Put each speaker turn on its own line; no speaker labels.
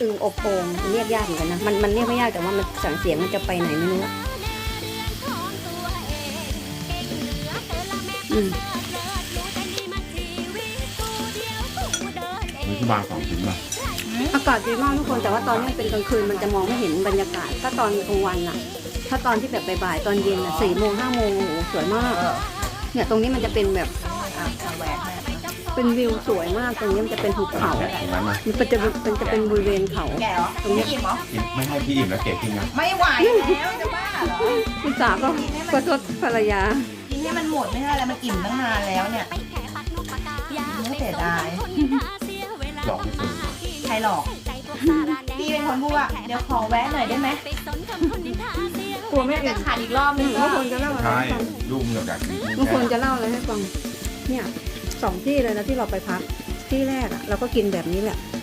ตึงอบโอ่งเรียกยากเหมือนกันนะมันเรียกไม่ยากแต่ว่ามันสั่งเสียงมันจะไปไหนไม่รู้
มีที่บาง2 ชิ้นป่ะ
อากาศดีมากทุกคนแต่ว่าตอนนี้เป็นกลางคืนมันจะมองไม่เห็นบรรยากาศถ้าตอนกลางวันอะถ้าตอนที่แบบบ่ายๆตอนเย็นอะ4 โมง 5 โมงโอ้โหสวยมากเนี่ยตรงนี้มันจะเป็นแบบเป็นวิวสวยมากตรงนี้มันจะเป็นหุบเขา
ตรงนั้นนะ
มันจะเป็นบริเวณเขา
แกเหรอ
ตรงนี้
อิ่มเหรอ
กินไม่ให้พี่อิ่มแล้วเก๋กินนะ
ไม่ไหวแล้วจะบ้าเหรอ
คุณสาก็ประชดภรรยา
กินให้มันหมดไม่ใช่อะไรมันอิ่มตั้งนานแล้วเนี่ยไม่เสียดาย
หลอกไม่ตื่น
ใครหลอกพี่เป็นคนพูดว่าเดี๋ยวขอแวะหน่อยได้ไหม
กลัวไม่
จะ
อิ่ม
ขาดอีกรอบนึง
บางคนจะเล่าอะไร
ใช่
ให้ฟัง
ลูกเหงือกอยากกิน
บางคนจะเล่าอะไรให้ฟังเนี่ย2 ที่เลยนะที่เราไปพักที่แรกอะเราก็กินแบบนี้แหละ